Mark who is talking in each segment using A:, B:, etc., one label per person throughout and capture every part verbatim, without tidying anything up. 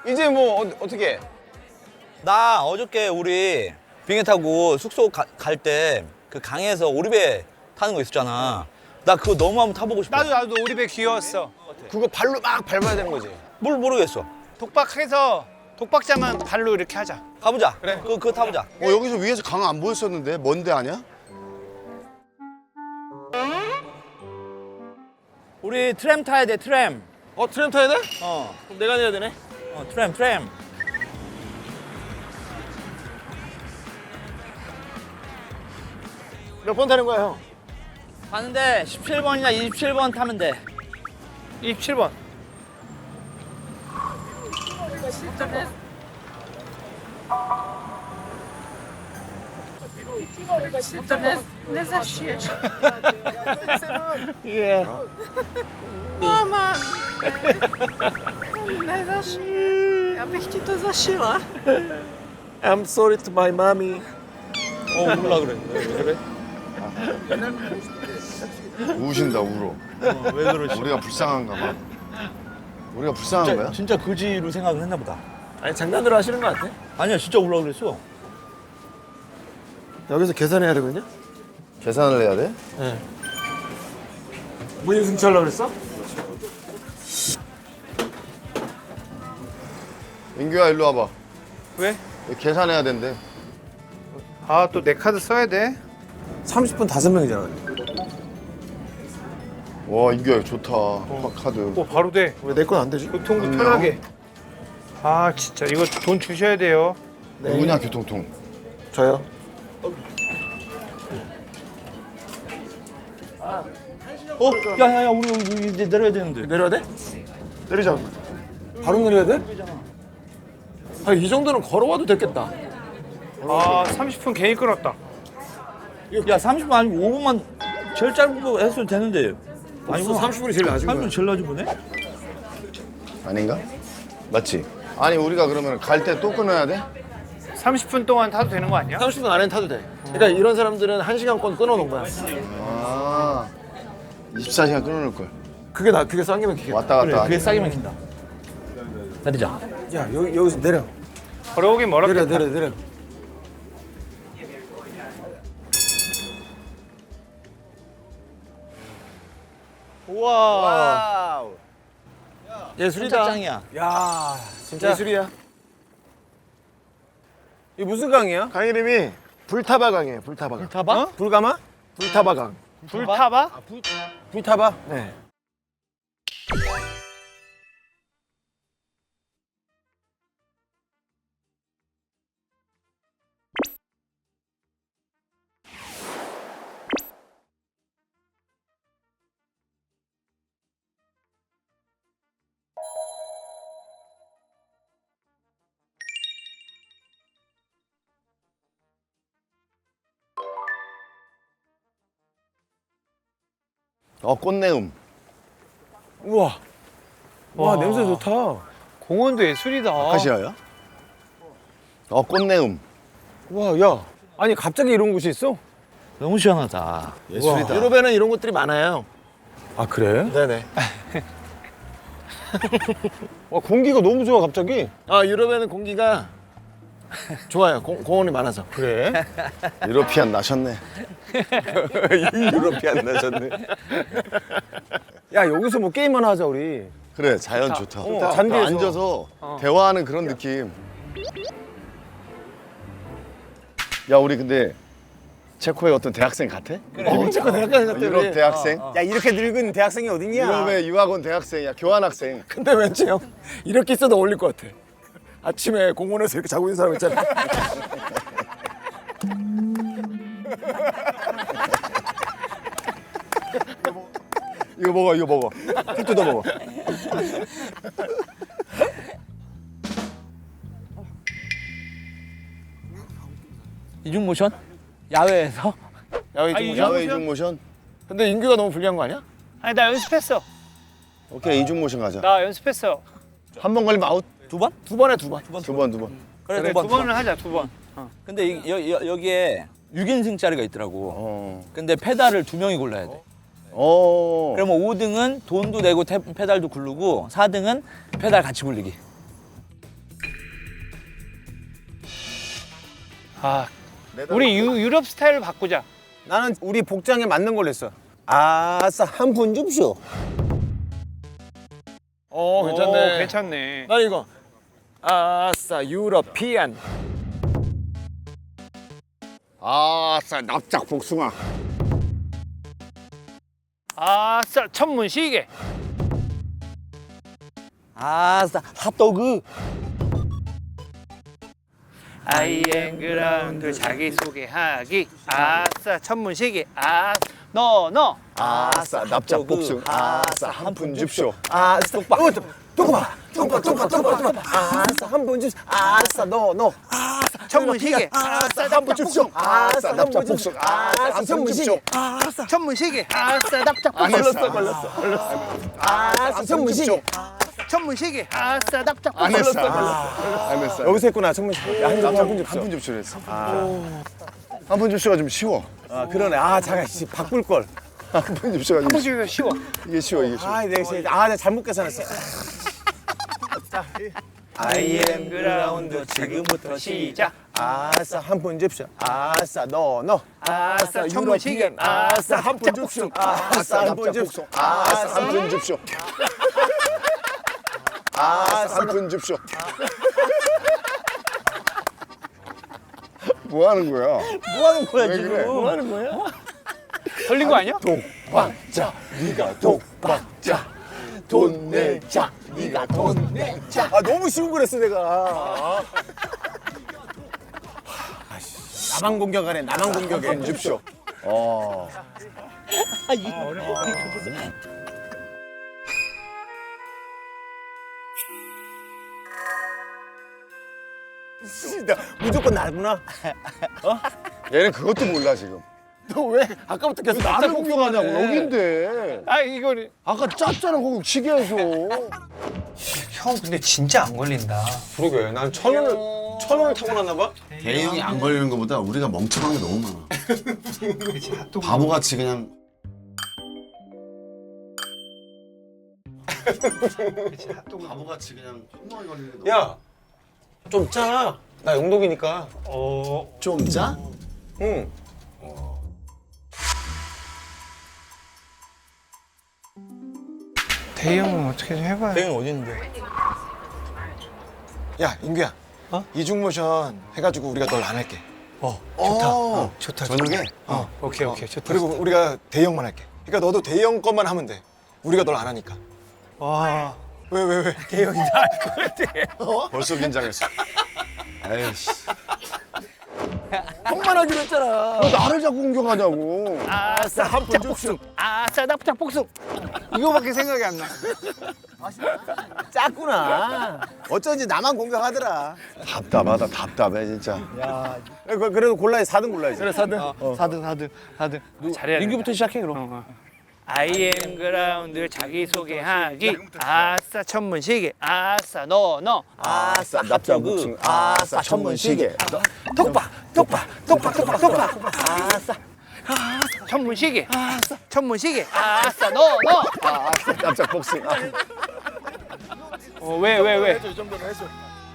A: 이제 뭐 어, 어떻게?
B: 나 어저께 우리 비행기 타고 숙소 갈 때 그 강에서 오리배 타는 거 있었잖아. 나 그거 너무 한번 타보고 싶어.
C: 나도 나도 오리배 귀여웠어.
A: 그거 발로 막 밟아야 되는 거지.
B: 뭘 모르겠어.
C: 독박해서 독박자만 발로 이렇게 하자.
B: 가보자. 그래. 그거, 그거 타보자.
D: 어, 여기서 위에서 강 안 보였었는데 먼데 아니야?
B: 우리 트램 타야 돼, 트램.
E: 어 트램 타야 돼?
B: 어,
E: 그럼 내가 내야 되네.
B: 어 트램, 트램.
E: 몇 번 타는 거야 형?
B: 가는데 십칠 번이나 이십칠 번 타면 돼.
C: 이십칠 번.
E: 예.
F: Mama! Ja bych ti to zašila.
E: I'm sorry to my mommy.
B: 어, 울라 그래. 왜 그래?
D: 우신다 울어.
B: 어, 왜 그러지?
D: 우리가 불쌍한가 봐. 우리가 불쌍한 거야?
B: 진짜, 진짜 그지로 생각을 했나 보다.
E: 아니 장난으로 하시는 거 같아?
B: 아니야, 진짜 울라 그랬어.
E: 여기서 계산해야 되거든요?
D: 계산을 해야 돼?
E: 네. 무인 승차하려고 그랬어?
D: 민규야 일로 와봐.
C: 왜?
D: 여기 계산해야 된대.
C: 아 또 내 카드 써야 돼?
E: 삼십 분 다섯 명이잖아.
D: 와 인규야 좋다. 카드.
C: 오 바로 돼.
E: 왜 내 건 안 되지?
C: 교통도
D: 안녕.
C: 편하게. 아 진짜 이거 돈 주셔야 돼요.
D: 누구냐 교통통.
E: 저요.
B: 어? 야, 야, 야, 우리, 우리 이제 내려야 되는데.
E: 내려야 돼? 내리자. 바로 내려야 돼? 아, 이 정도는 걸어와도 됐겠다.
C: 아 삼십 분 괜히 끌었다.
B: 야, 삼십 분 아니고 오 분만 제일 짧은 거 했어도 되는데.
E: 아니고 삼십 분이 제일 낮은
B: 삼십
E: 거야.
B: 분 제일 낮은 거네?
D: 아닌가? 맞지? 아니 우리가 그러면 갈 때 또 끊어야 돼?
C: 삼십 분 동안 타도 되는 거 아니야?
E: 삼십 분 안에 타도 돼. 그러니까 이런 사람들은 한 시간권 끊어놓은 거야.
D: 아 이십사 시간 끊어놓을 걸.
E: 그게 나 그게 쌍이면 기계.
D: 왔다 갔다.
B: 그래, 그게 싸게 막힌다. 내리자.
E: 야 여기 여기서 내려.
C: 걸어오긴 멀었겠다.
E: 내려 내려 내려.
B: 우와.
E: 예술이다.
B: 짱이야.
E: 야 진짜 예술이야. 이 무슨 강이야? 강 이름이 불타바 강이에요. 불타바 강.
B: 타봐?
E: 불가마? 불타바 강.
C: 불 타봐?
E: 불타바? 네.
D: 어 꽃내음.
E: 우와. 와,
C: 와.
E: 냄새 좋다.
C: 공원도 예술이다.
D: 아카시아야? 어 꽃내음.
E: 와, 야. 아니 갑자기 이런 곳이 있어?
B: 너무 시원하다.
D: 예술이다.
E: 유럽에는 이런 곳들이 많아요.
G: 아 그래?
E: 네네.
G: 와 공기가 너무 좋아 갑자기.
E: 아 유럽에는 공기가 좋아요. 공, 공원이 많아서.
G: 그래?
D: 유러피안 나셨네. 유러피안 나셨네.
G: 야 여기서 뭐 게임 하나 하자 우리.
D: 그래 자연 좋다.
G: 어,
D: 딱
G: 잔디에서.
D: 앉아서 대화하는 그런 느낌. 야 우리 근데 체코의 어떤 대학생 같아?
E: 어, 체코 대학생 같아.
D: 유럽
E: 우리.
D: 대학생?
G: 야 이렇게 늙은 대학생이 어딨냐?
D: 유럽의 유학원 대학생이야 교환학생.
E: 근데 왠지 형 이렇게 있어도 어울릴 것 같아. 아침에 공원에서 이렇게 자고 있는 사람 있잖아.
D: 이거 먹어 이거 먹어. 피 뜯어 먹어.
B: 이중 모션? 야외에서?
E: 야외
C: 아,
E: 좀
C: 이
E: 보자.
D: 야외 이중 모션?
E: 근데 인규가 너무 불리한 거 아니야?
C: 아니 나 연습했어.
D: 오케이 이중 모션 가자.
C: 나 연습했어.
D: 한 번 걸리면 아웃.
B: 두 번?
E: 두 번에 두 번.
D: 두 번 두 번.
B: 그래,
C: 그래
B: 두 번.
C: 두 번을 하자 두 번.
B: 근데 이, 여, 여, 여기에 육 인승짜리가 있더라고.
D: 어.
B: 근데 페달을 두 명이 골라야 돼.
D: 어.
B: 그러면 오 등은 돈도 내고 태, 페달도 굴르고 사 등은 페달 같이 굴리기.
C: 아, 우리 유, 유럽 스타일을 바꾸자.
G: 나는 우리 복장에 맞는 걸로 했어. 아싸 한 푼 줍쇼.
E: 어 괜찮네.
C: 오, 괜찮네.
E: 나 이거 아싸 유러피안.
D: 아싸 납작 복숭아.
C: 아싸 천문시계.
B: 아싸 핫도그.
C: 아이엠 그라운드 자기소개하기. 아싸 천문시계. 아, 너, 너.
D: 아싸 납작 복숭아. 아싸 한 푼 줍쇼.
G: 아싸 똑바. 어, 똑바. 똑바 똑바 똑바 똑바. 아싸 한 푼 줍쇼. 아싸 너 너.
C: 천문시계. 아싸
G: 한푼 줍쇼. 아싸
D: 납작 복숭아. 아싸
G: 아싸
D: 한 푼
G: 천문시계.
D: 줍쇼.
C: 아싸 천문시계. 아싸 납작
D: 안
C: 복숭아.
D: 했어. 걸렸어. 걸렸어.
G: 아싸 천문시계.
C: 천문시계. 아싸 납작
D: 안
C: 복숭아.
D: 했어. 안 했어.
G: 여기서 했구나 천문시계. 한푼 줍쇼.
D: 한푼 줍쇼 했어. 한 푼 줍쇼가 좀 쉬워.
G: 아 그러네. 아 잠깐 씨 바꿀 걸.
D: 한 푼 줍쇼가 좀 쉬워.
C: 천문시계가 쉬워.
D: 이게 쉬워 이게 쉬워.
G: 아 내가 씨, 아 내가 잘못 계산했어.
C: 아이엠 그라운드 지금부터 시작.
G: 아싸 한 푼 줍쇼. 아싸 너 너.
C: 아싸 천문시계.
G: 아싸 한 푼 줍쇼. 아싸 한 푼 줍쇼.
D: 아싸 한 푼 줍쇼. 아싸 한 푼 줍쇼. 뭐 하는 거야?
B: 뭐 하는 거야
D: 왜
B: 지금?
D: 그래?
B: 뭐 하는 거야?
C: 걸린 거 아니야?
D: 독박자 네가 독박자 돈 내자 네가 돈 내자.
G: 아 너무 쉬운 거랬어 내가. 아씨, 나만 공격하네. 나만 공격해.
D: 한 줍쇼. 어.
G: 씨, 나 무조건 나구나.
D: 얘는 그것도 몰라 지금.
E: 너 왜 아까부터 계속
D: 나를
E: 납작
D: 공격하냐고
E: 복숭아네.
D: 여긴데.
C: 아 이거는
D: 아까 짰잖아 거기 시계에서.
C: 형 근데 진짜 안 걸린다.
A: 그러게. 난 천 원을 천 원을 타고났나 봐.
H: 대형이 안 걸리는 것보다 우리가 멍청한 게 너무 많아. 바보같이 그냥 바보같이 그냥 엉망이 걸리는 게 너무
A: 야, 좀 짜. 나 영독이니까.
H: 좀 짜?
A: 응.
C: 대형은 어떻게 좀 해봐요.
B: 대형이 어디 있는데?
E: 야 인규야. 이중모션 해가지고 우리가 널 안 할게.
H: 어,
C: 좋다.
H: 저녁에?
C: 어, 오케이 오케이 좋다.
E: 그리고 우리가 대형만 할게. 그러니까 너도 대형 것만 하면 돼. 우리가 널 안 하니까.
C: 와.
E: 왜 왜 왜?
C: 대형이 나을 것 같아.
D: 벌써 긴장했어.
H: 에이씨.
E: 형만 하기로 했잖아.
D: 너 나를 자꾸 공격하냐고.
C: 아싸 합작 복숭. 아싸 납작 복숭. 이거밖에 생각이 안 나.
G: 짰구나. 어쩐지 나만 공격하더라.
D: 답답하다 답답해 진짜.
G: 그- 그래도 골라야지. 사 등 골라야지.
E: 그래 사든.
B: 사등 사등 사등.
C: 잘해야
B: 민규부터 시작해 그럼.
C: 어, 어. 아이엠 그라운드 자기소개하기. 아싸 천문시계. 아싸 너 너.
D: 아싸 납작 복숭아. 아싸 천문시계.
C: 독박 독박 독박 독박 독박. 아싸. 천문시계. 아싸 천문시계. 아싸 너 너.
D: 아싸 납작 복숭아.
C: 어, 왜 왜 왜?
E: 이 정도는 해줘.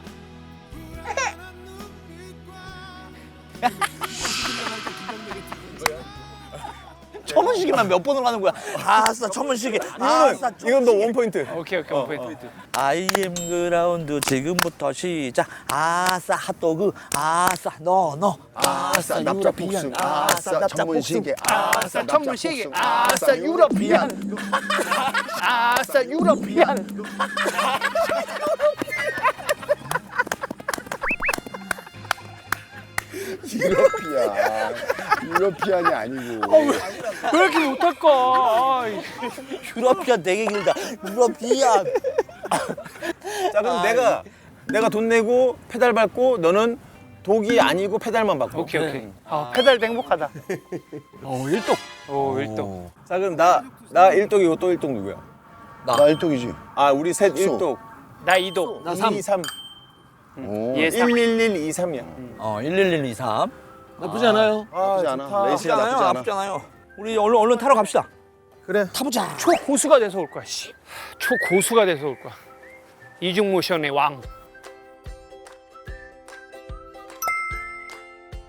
B: 천문시계만 몇 번을 하는 거야? 아싸 천문시계. 아싸
G: 이건 너 원 포인트.
C: 오케이 오케이 오케이.
B: 아이엠 그라운드 지금부터 시작. 아싸 핫도그. 아싸 너 너.
D: 아싸 납작 복숭아. 아싸 천문시계.
C: 아싸 천문시계. 아싸 유러피안. 아싸 유러피안.
D: 유러피안. 유러피안이 아니고.
C: 왜 이렇게 못할까? 아이.
B: 유러피안 되게 길다. 유러피안.
G: 자 그럼 내가 내가 돈 내고 페달 밟고 너는 독이 아니고 페달만 밟고.
C: 오케이 오케이. 아 페달도 행복하다.
E: 어 일독.
C: 오 일동.
G: 자 그럼 나 나 일독이고 또 일독 누구야?
D: 나 일독이지.
G: 아 우리 셋
D: 숙소.
G: 일독.
C: 나 이도.
G: 나 삼. 이, 삼.
D: 오.
C: 얘 삼.
G: 일일일 이, 삼이야.
B: 어 일일일 이삼.
E: 나쁘지 않아요.
D: 나쁘지 않아.
G: 좋다.
D: 레이스가 나쁘지 않아.
B: 나쁘잖아요. 우리 얼른 얼른 타러 갑시다.
G: 그래.
B: 타보자.
C: 초고수가 돼서 올 거야. 씨. 초고수가 돼서 올 거야. 이중 모션의 왕.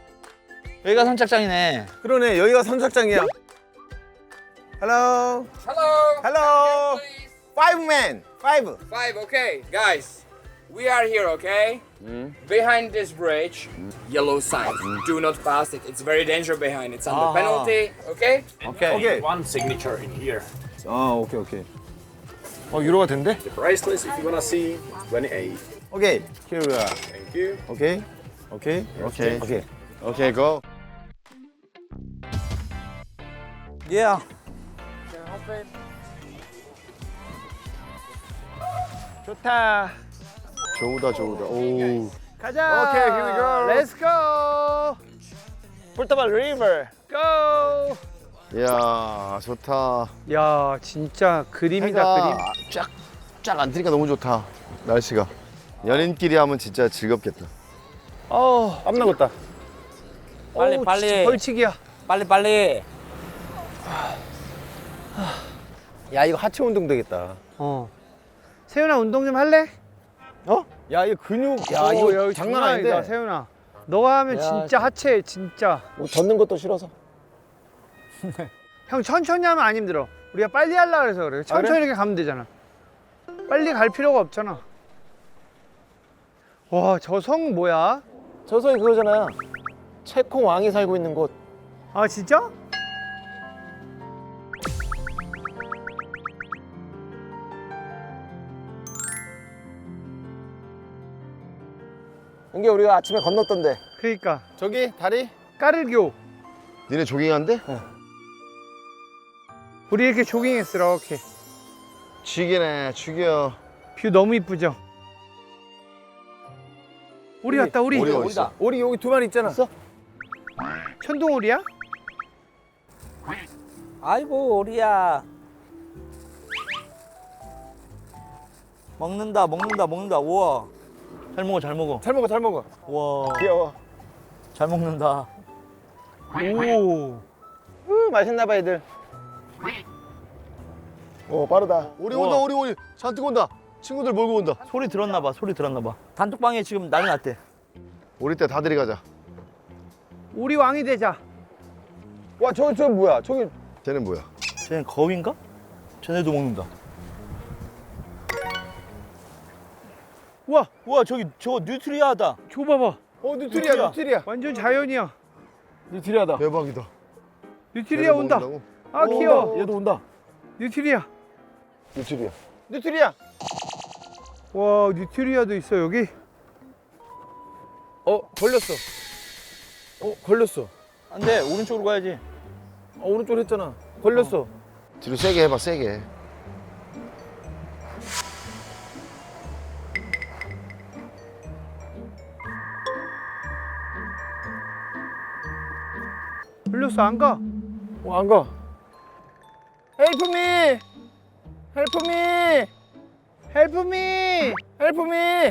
B: 여기가 선착장이네.
G: 그러네 여기가 선착장이야. Hello.
I: Hello.
G: Hello. Five men. Five.
I: Five. Okay, guys. We are here. Okay. Behind this bridge, yellow sign. Do not pass it. It's very dangerous behind. It's under
B: Ah.
I: penalty. Okay.
G: 오케이. 오케이.
J: One signature in here.
G: 아 오케이 오케이. 어 유로가 된대?
J: The price list, if you wanna see, twenty-eight.
G: 오케이. Here we are.
J: Thank you.
G: 오케이. 오케이.
D: 오케이.
G: 오케이.
D: 오케이, 고.
B: 예.
C: 좋다.
D: 좋다, 좋다. 오.
C: 가자.
G: 오케이, here we go.
C: Let's go.
G: 포르투갈 리버.
C: Go.
D: 이야, 좋다.
C: 야, 진짜 그림이다,
D: 해가
C: 그림.
D: 쫙, 쫙 안 트니까 너무 좋다. 날씨가. 연인끼리 하면 진짜 즐겁겠다.
C: 어,
G: 땀 나겠다.
B: 빨리,
C: 어우,
B: 빨리.
C: 진짜 벌칙이야.
B: 빨리 빨리.
G: 야 이거 하체 운동 되겠다.
C: 어. 세윤아 운동 좀 할래?
G: 어? 야 이거 근육. 야
C: 오,
G: 이거
C: 야,
G: 장난
C: 아니다,
G: 아닌데.
C: 세윤아. 너가 하면 진짜 하체 진짜.
G: 뭐 젓는 것도 싫어서.
C: 형 천천히 하면 안 힘들어. 우리가 빨리 하려고 그래서 그래. 천천히
G: 그래?
C: 이렇게 가면 되잖아. 빨리 갈 필요가 없잖아. 와, 저 성 뭐야?
G: 저 성이 그거잖아. 체코 왕이 살고 있는 곳.
C: 아, 진짜?
G: 이게 우리가 아침에 건넜던데.
C: 그러니까
G: 저기 다리.
C: 까르교.
D: 니네 조깅한대?
C: 우리 이렇게 조깅했어, 이렇게.
D: 죽이네, 죽여.
C: 뷰 너무 이쁘죠? 우리 왔다, 우리.
D: 오리 어디 있어?
G: 오리 여기 두 마리 있잖아.
C: 천둥오리야?
B: 아이고 오리야. 먹는다 먹는다 먹는다. 우와. 잘 먹어 잘 먹어.
G: 잘 먹어 잘 먹어.
B: 우와.
G: 귀여워.
B: 잘 먹는다.
C: 오.
G: 우 맛있나 봐 애들.
D: 오, 빠르다. 오리 온다, 오리, 오리. 잔뜩 온다. 친구들 몰고 온다.
B: 소리 들었나 봐. 소리 들었나 봐. 단톡방에 지금 난리 났대.
D: 오리 때 다 데려가자.
C: 우리 왕이 되자.
G: 와 저기 저기 뭐야? 저기
D: 쟤는 뭐야?
B: 쟤는 거위인가? 쟤네도 먹는다.
C: 우와,
B: 우와 저기 저거 뉴트리아다.
C: 저 봐봐.
G: 어 뉴트리아 뉴트리아.
C: 완전 자연이야.
G: 뉴트리아다.
D: 대박이다.
C: 뉴트리아 온다.
D: 먹는다고?
C: 아, 귀여워.
G: 얘도 온다.
C: 뉴트리아.
D: 뉴트리아.
G: 뉴트리아.
C: 와, 뉴트리아도 있어, 여기.
G: 어 걸렸어. 어 걸렸어.
B: 안돼 오른쪽으로 가야지.
G: 어, 오른쪽으로 했잖아. 걸렸어.
D: 뒤로 세게 해봐, 세게.
C: 흘렸어, 안 가.
G: 어, 안 가. Help me! Help me!
C: Help me!
G: Help me!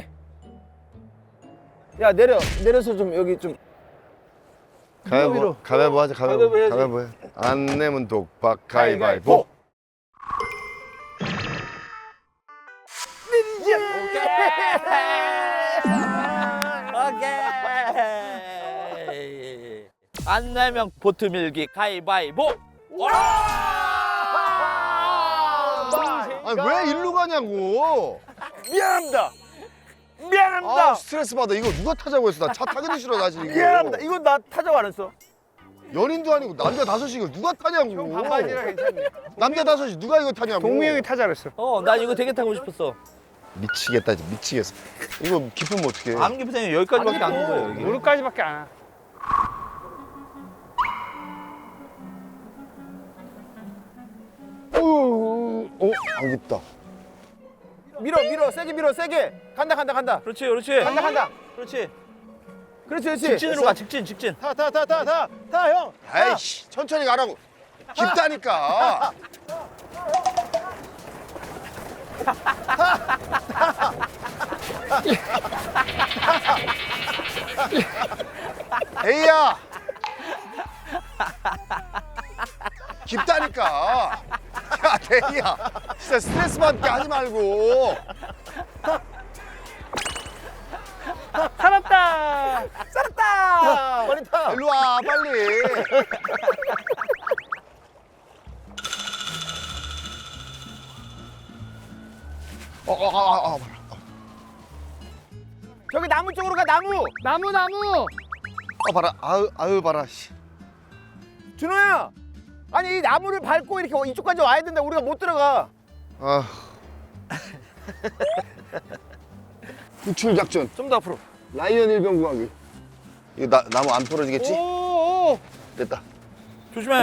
G: 야 내려 내려서 좀 여기 좀.
D: 가위바위보,
G: 위로.
D: 가위바위보 하자, 가위바위보.
G: 가위바위보 해야지.
D: 가위바위보 해. 안 내면 독박, 가위바위보.
B: 오케이. 안 내면 보트 밀기 가위바위보.
D: 아니, 왜 일로 가냐고.
G: 미안합니다. 미안합니다.
D: 아, 스트레스 받아. 이거 누가 타자고 했어? 나 차 타기도 싫어, 나 지금. 이거.
G: 미안합니다. 이건 나 타자고 안 했어.
D: 연인도 아니고 남자 다섯이 이거 누가 타냐고.
C: 반바지라 괜찮네.
D: 남자 다섯이 누가 이거 타냐고.
C: 동미 형이 타자 그랬어.
B: 어, 나 이거 되게 타고 싶었어.
D: 미치겠다, 진짜 미치겠어. 이거 깊으면 어떡해.
B: 암 깊으면 여기까지밖에 안 온 거예요. 여기.
C: 무릎까지밖에 안 와.
D: 어, 어, 안 깊다.
G: 밀어 밀어 세게 밀어 세게. 간다 간다 간다.
B: 그렇지, 그렇지.
G: 간다 간다.
B: 그렇지.
G: 그렇지 그렇지.
B: 직진으로 가, 직진, 직진.
G: 타 타 타 타 타 타 형. 타.
D: 에이씨, 천천히 가라고. 깊다니까. 에이야. 깊다니까. 야, 대희야. 진짜 스트레스 받게 하지 말고.
C: 살았다.
G: 살았다.
E: 빨리 타.
D: 일로 와 빨리. 어, 어, 어, 어,
E: 저기 나무 쪽으로 가 나무.
C: 나무 나무.
D: 어, 봐라. 아유, 아유, 봐라. 씨.
E: 준호야. 아니 이 나무를 밟고 이렇게 이쪽까지 와야 된다. 우리가 못 들어가.
D: 아. 구출 작전.
E: 좀 더 앞으로.
D: 라이언 일병 구하기. 이거 나, 나무 안 부러지겠지?
E: 오오.
D: 됐다.
B: 조심해.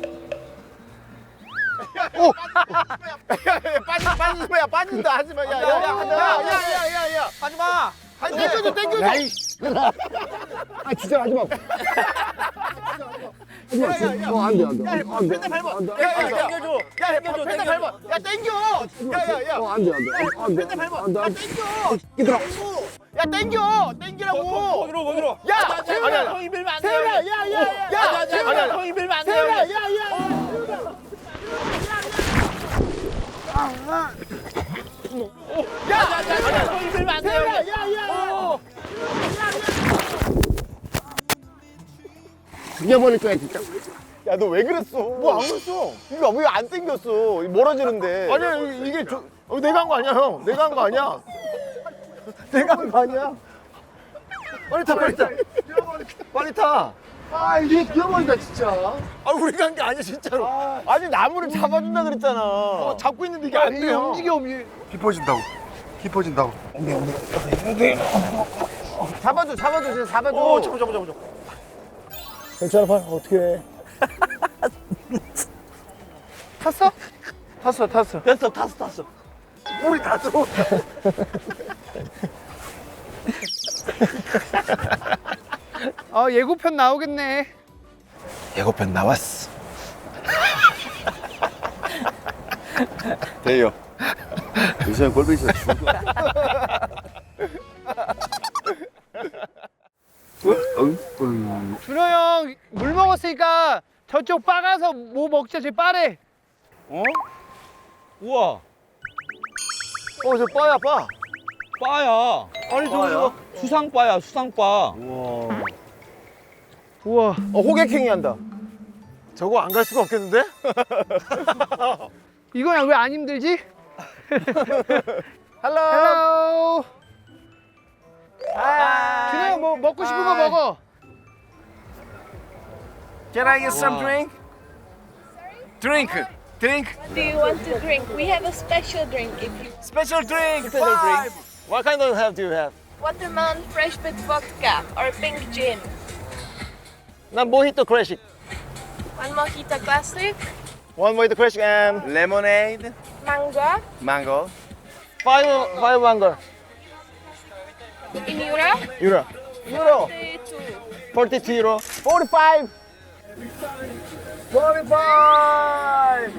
E: 빠지 빠지지 마야 빠진다 하지 마. 야야야야야야야.
B: 하지 마.
E: 아니 땡겨줘 땡겨줘.
D: 아, 진짜 하지 마. 하지 마. 어, 안 돼, 안 돼. 안 돼. 안 돼.
E: 펜달 밟아.
D: 안 돼.
E: 야, 야, 야.
B: 땡겨줘.
E: 야,
B: 땡겨줘,
E: 펜달
B: 땡겨줘.
E: 밟아. 야, 땡겨. 야, 야, 야.
D: 어, 안 돼, 안 돼. 안 돼.
E: 펜달 밟아.
D: 안 돼,
E: 야,
D: 안 돼.
E: 땡겨.
D: 얘들아.
E: 야, 땡겨. 땡기라고.
B: 거기로 거기로.
E: 야, 세훈아.
B: 형이 밀면 안 돼.
E: 세훈아, 야, 야, 야. 야, 세훈아.
B: 형이 밀면 안 돼.
E: 세훈아, 야, 야, 야. 야,
B: 형이 밀면 안 돼.
E: 세훈아, 야, 야.
D: 죽여버릴 거야, 진짜.
E: 야, 너 왜 그랬어? 뭐 안 그랬어? 이거 왜 안 땡겼어? 멀어지는데. 아니야, 이게 저, 어, 내가 한 거 아니야, 형. 내가 한 거 아니야. 내가 한 거 아니야. 빨리 타, 빨리 타. 빨리 타.
D: 아, 이게 죽여버린다, 진짜.
E: 아, 우리가 한 게 아니야, 진짜로. 아니, 나무를 잡아준다 그랬잖아. 어, 잡고 있는데 이게 안 돼요. 움직여, 움직여.
D: 깊어진다고. 깊어진다고.
E: 잡아줘, 잡아줘, 진짜 잡아줘. 오, 잡아, 잡아, 잡아. 괜찮아, 봐. 어떻게 해. 탔어? 탔어, 탔어.
B: 됐어, 탔어, 탔어.
E: 우리 다 들어.
C: 어 예고편 나오겠네.
E: 예고편 나왔어.
D: 돼요. 요새 꼴보기 싫어 죽어.
C: 준호 형 물 먹었으니까 저쪽 바 가서 뭐 먹자. 제 바래.
B: 어? 우와.
E: 어, 저 빠야, 빠.
B: 바야. 아니 저거 저거 수상바야, 수상바.
C: 우와.
E: 어, 호객행위 한다. 저거 안 갈 수가 없겠는데?
C: 이거야 왜 안 힘들지?
E: 헬로.
C: 헬로.
E: 하이.
C: 준호 형 뭐 먹고 싶은 거 먹어.
E: Can I get some drink? Drink. Drink.
F: What do you want to drink? We have a special drink if you
E: Special drink. Special drink. What kind of have do you have?
F: watermelon fresh with vodka or pink gin.
E: 난 모히또 클래식.
F: One mojito classic,
E: One 모히또 클래식 and lemonade.
F: mango
E: Mango. Five five mango.
F: in euro,
E: Euro. Euro.
F: thirty-two.
E: forty-two euro. forty-five. forty-five.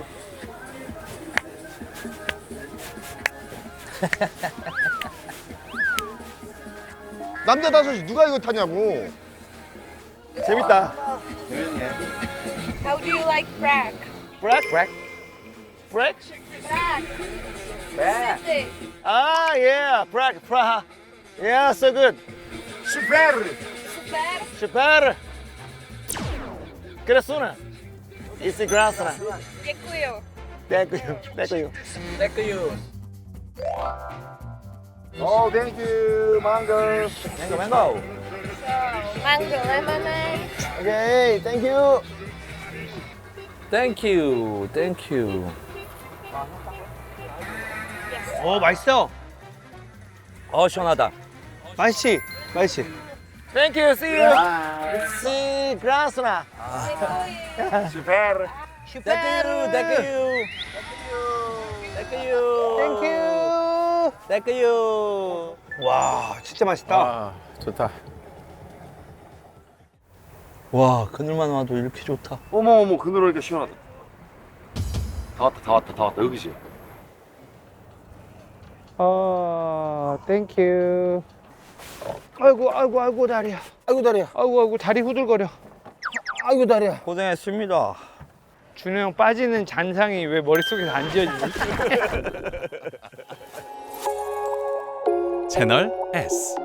D: 남자 다섯이 누가 이거 타냐고.
E: 재밌다.
F: How do you like Prague?
E: Black. Black. Black.
F: Prague.
E: Prague.
F: City.
E: Ah, yeah. Prague. Praha. Yeah, so good. Super.
F: Super.
E: Super. Krasuna. It's krasna.
F: Děkuju.
E: Thank you. Thank you.
B: Thank you.
E: Oh, thank you. Mango.
B: 맹고 맹고.
F: So, mango lemonade.
E: Okay, thank you.
B: Thank you. Thank you.
C: 어 맛있어.
B: 어 시원하다.
C: 맛있지? 맛있지?
E: Thank you. See you. See krasna.
F: Děkuji.
E: Super.
B: Thank you. Thank you. Thank you.
C: 땡큐.
B: Thank you.
C: 와 진짜 맛있다.
E: 아, 좋다.
B: 와 그늘만 와도 이렇게 좋다.
J: 어머 어머 그늘 오니까 시원하다. 다 왔다 다 왔다 다 왔다 여기지.
C: 어 땡큐. 아이고 아이고 아이고 다리야.
E: 아이고 다리야.
C: 아이고 아이고 다리 후들거려.
E: 아이고 다리야.
B: 고생했습니다.
C: 준호 형 빠지는 잔상이 왜 머릿속에서 안 지워지지?
K: 채널 S